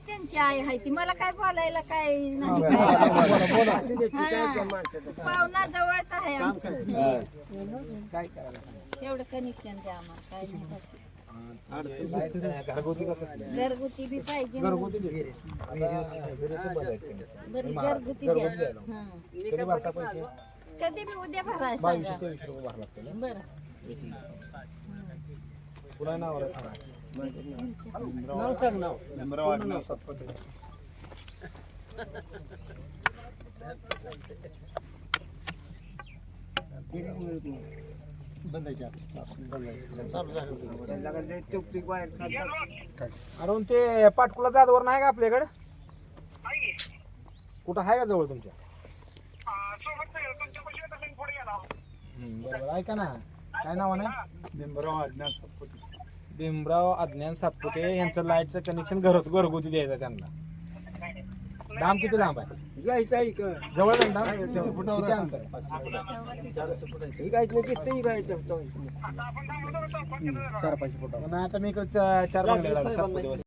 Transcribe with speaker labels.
Speaker 1: त्यांची आई आहे ती मला काय बोलायला काय नाही पाहुणा जवळच आहे आमचं एवढं कनेक्शन द्या आम्हाला काय नाही घरगुती बी पाहिजे बरी घरगुती द्या कधी बी उद्या भरायचं बरं
Speaker 2: पुन्हा नाव
Speaker 3: सांग नाव
Speaker 2: अरे ते पाटकुला जादवर नाही का आपल्याकडे कुठं आहे का जवळ तुमच्या बरोबर ऐका ना काय नाव आहे भीमराव अज्ञान सातपुते यांचं लाईटचं कनेक्शन घरगुती द्यायचं त्यांना दाम किती लांब आहे
Speaker 3: जायचं आहे का
Speaker 2: जवळ आहे ना किती अंतर आहे? 4-5 फुट आता मी इकडे 4 बंगले